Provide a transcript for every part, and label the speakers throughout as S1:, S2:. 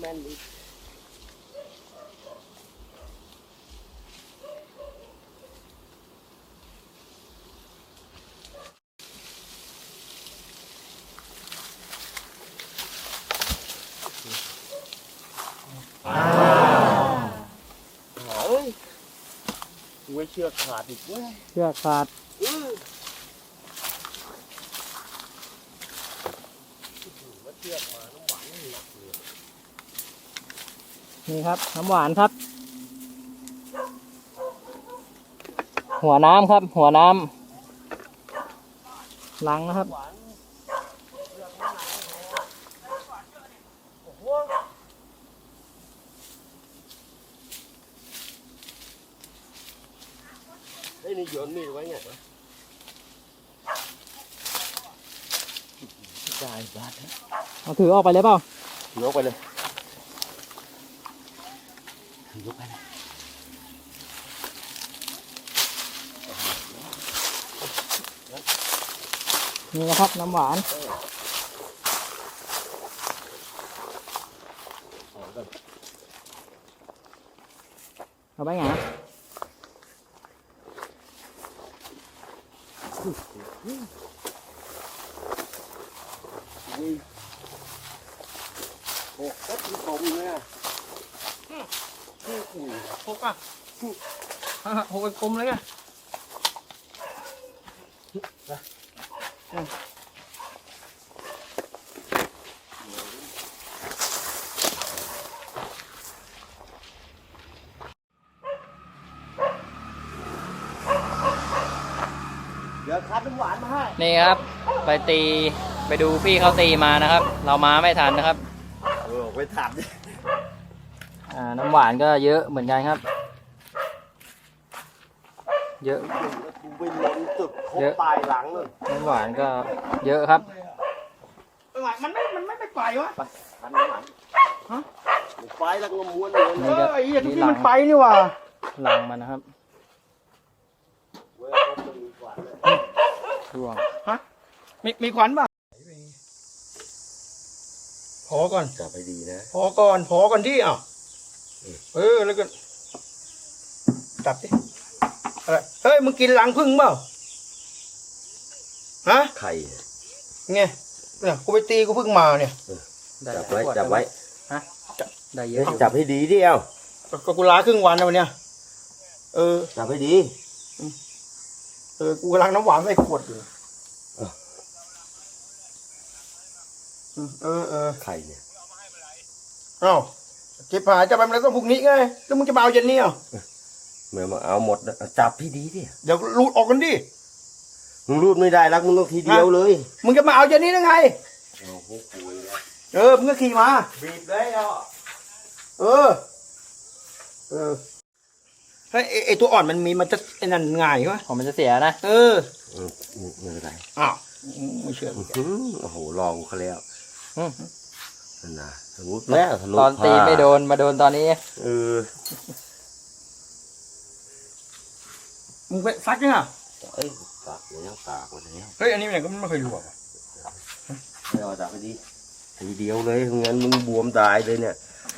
S1: น่นดิเฮ้ยไว้เชือกขาดอีกเว้ย
S2: เชือกขาดนี่ครับน้ำหวานครับ หัวน้ำครับหัวน้ำล้างนะครับ
S1: ไอ้นี่โยนมีดไว้ไงได้บ้าน
S2: เอาถือออกไปเลยเปล่า
S1: ถือออกไปเลยถือยกไปเลย
S2: นี่นะครับน้ำหวานเอาไปไง
S1: โอ้ก็ถึงตรงเลยอ่ะ
S2: หกอ่ะหกเป็นกลมเลยอ่ะ
S1: เดี๋ยวคัดน้ำหวานมาให้
S2: นี่ครับไปดูพี่เขาตีมานะครับเรามาไม่ทันนะครับ
S1: ไปถามดิ
S2: น้ำหวานก็เยอะเหมือนกันครับเยอะ
S1: ไปล้นตึกครบปลายหลังเลย
S2: น้ำหวานก็เยอะครับ
S3: มันไม่ไปไปวะ
S1: ไปคัดน้ำหวานฮะไปแล้วก็ม้วน
S3: ไอ้เหี้ยทุกที่มันไปนี่ว่ะ
S2: หลังมันนะครับร่วง
S3: ฮะมีขวัญป่ะพอก่อน
S1: จับไปดีนะ
S3: พอก่อนที่แล้วก็จับดิอะไรเฮ้ยมึงกินหลังพึ่งเปล่าฮะ
S1: ไข่
S3: ไงเนี่ยกูไปตีกูพึ่งมาเนี่ย
S1: จับไว้
S2: ฮะได้เยอะ
S1: จับให้ดีดิเอา
S3: ก็กูล้าครึ่งวันแล้ววันเนี้ย
S1: จับให้ดี
S3: กูกำลังน้ำหวานใส่ขวดอยู่
S1: ไข่เนี่ย
S3: เอ้าเก็บผาจะไปมันต้องพรุ่งนี้ไงแล้วมึงจะมาเอาเย็นนี้อ่ะ
S1: เมื่อมาเอาหมดจับพี่ดีดิ
S3: เดี๋ยวรูดออกกันดิ
S1: มึงรูดไม่ได้รักมึงต้องทีเดียวเลย
S3: มึงจะมาเอาเย็นนี้ได้ไงมึงก็ขี่มา
S1: บีบเลยอ่ะ
S3: เฮ้ยไอตัวอ่อนมันจะไอ้นั่นง่ายวะ
S2: ของมันจะเสียนะ
S1: ไม่เป็นไร
S3: อ้าวไม่เชื่อ
S1: โอ้โหลองเขาแล้วนั่นนะสมมติ
S2: แล้วตอนตีไม่โดนมาโดนตอนนี้
S3: มึงไปซักยังอ่ะ
S1: ปากแล้วปากมาแล้ว
S3: เฮ้ยอันนี้มันก็ไม่เคยรู้อ่ะ
S1: ไม่เอาจับไปดีทีเดียวเลยงั้นมึงบวมตายเลยเนี่ย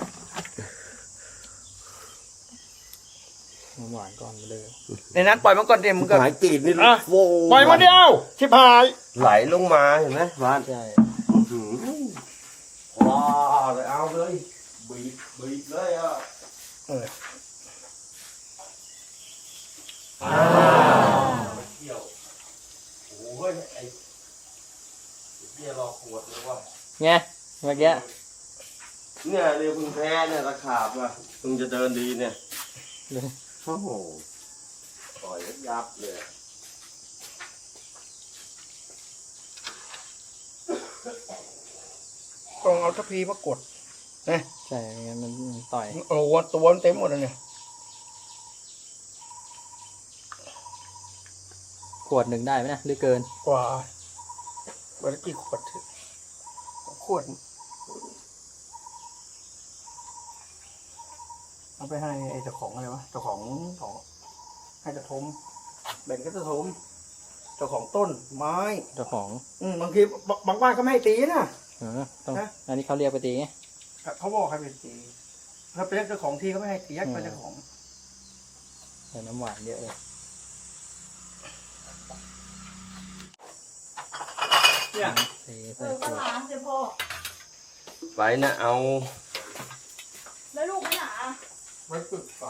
S2: หวานก่อนเลย
S3: ในนั้นปล่อยมันก่อนเดี๋ยวมึงก็
S1: หายกรีดนี่
S3: โว้ปล่อยมันเดียวชิบหาย
S1: ไหลลงมาเห็นไหมบ้าน
S2: ใช่
S1: ว้าเลยเอาเลยบีบเลยอ่ะเที่ยวโอ้ยไอ้เที่ยวรอขวดเลยว่ะ
S2: ไงเมื่อกี้
S1: เนี่ยเดี๋ยวพึ่งแพ้เนี่ยตะขาบอ่ะพึ่งจะเดินดีเนี่ยโอ้โหปล่อยยับเลย
S3: ต้องเอาทัพพีมากดนะ
S2: ใช่งั้นมันต่อย
S3: โอ้โหตัวมันเต็มหมดเลยเนี่ย
S2: ขวดหนึ่งได้ไหมนะหรือเกิน
S3: กว่าวันละกี่ขวดเอาไปให้ไอ้เจ้าของอะไรวะเจ้าของให้เจ้าทมแบ่งก็เจ้าทมเจ้าของต้นไม้
S2: เจ้าของ
S3: บางทีบางบ้านก็ไม่ให้ตีนะ
S2: ต้องอันนี้เขาเรียกไปตีไง
S3: เขาบอกให้ไปตีถ้าเป็นเจ้าของที่เขาไม่ให้ตียักษ์เป็นเจ้าของ
S2: ใส่น้ำหวานเยอะเลย
S3: เนี่ย
S2: ใส่
S4: ก็
S2: ขวด
S4: ล้างสิพ่อ
S1: ไปนะเอา
S4: แล้วลูกไม่หนา
S3: ไว้ฝึกไฟ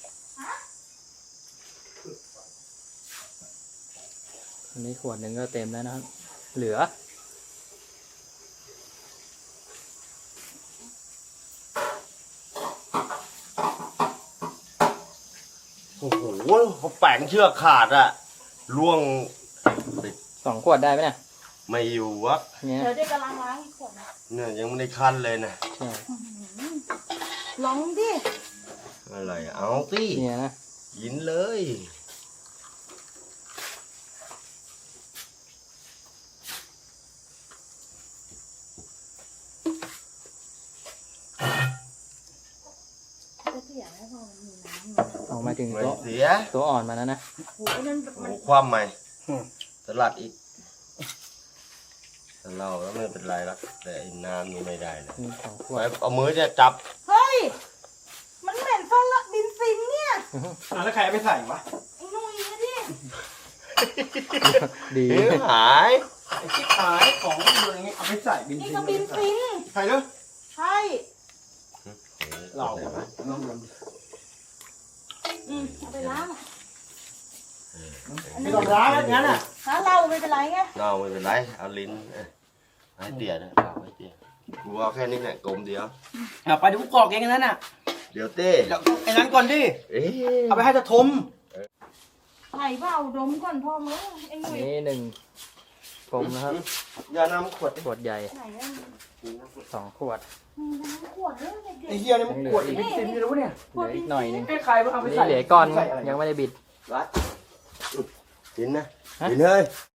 S2: อันนี้ขวดหนึ่งก็เต็มแล้วนะครับ เหลือ
S1: โอ้โหเขาแปลงเชือกขาดอะล่วง
S2: 2 ขวดได้ไหมเนี่ย
S1: ไม่อยู่วะ
S2: เนี่ย
S4: เดี๋ยวเด็กกำลังล้างอีกขวดนะ
S1: เนี่ยยังไม่ได้คั้นเลยนะ
S2: ใช่
S4: ลองดิ
S1: อะไรเอาสิ
S2: เนี่ยนะ
S1: ยินเลย
S4: ก็เสียให้พ่อมันมีน้ำ
S2: ออกมาถึง
S1: ไม่
S2: ตัว
S1: เสีย
S2: ตัวอ่อนมาแล้วนะ
S4: โอ้ยนั่น
S1: โอ้
S4: มัน
S1: ความใหม่สลัดอีกแต่เราแล้วไม่เป็นไรละแต่ไอ้น้ำนี่ไม่ได้เลย
S2: มี2 ขว
S1: ไว้
S2: ด
S1: เอามือเนี่ยจับ
S4: เฮ้ย มันเหม็นฟันละดินฟินเนี่ย
S3: แล้วใครเอาไปใส่วะ
S4: ไอ้นุ่ยนะดิ
S2: ดี
S1: เอ้ยหาย
S3: ไอ้ที่ขายของอะไรเงี้ยเอาไปใส่บิน
S4: นี่
S3: ซิ
S4: ก็บินฟิน
S3: ใครเนาะ
S4: ใช่
S3: เรา
S1: ไหนวะ
S3: น้องเดิน
S4: เอาไปล้าง
S3: ไม่ต้องล้างแล้วงั้นอ่ะ
S4: หาเราไม่เป็นไรไง
S1: เราไม่เป็นไรเอาลิ้นให้เตี๋ยนะเอาให้เตี๋ยกูเอาแค่นี้แหละกลมเดียว
S3: ไปดูกรอกเองนั้นน่ะ
S1: เดี๋ยวเต้
S3: เดี๋ยวไอ้นั้นก่อนดิ
S1: เอ๊ะ
S3: เอาไปให้ตะทม
S4: ไหนเปล่าดมก่อนพ่อมึงไอ้
S2: อัน
S4: นุ่ย
S2: นี้1 กลมนะครับ
S1: อย่านำขวด
S2: ขวดใหญ่
S4: ไหนอะ
S2: 2 ขวด
S4: มีน้ำขวดด้วยเด็
S3: ไอ้
S4: ก
S3: เหี้ยนี่มันปวดไอ้บินซินไม่รู้เนี่ย
S2: เหลืออีกหน่อยหนึง
S3: ไอ้ใครเอาไป
S2: นี่
S3: ใส่
S2: เหลือก้อน
S3: ใส่อะไร
S2: ยังไม่ได้บิด
S1: รัดกินนะ
S2: ฮะ
S1: กินเลย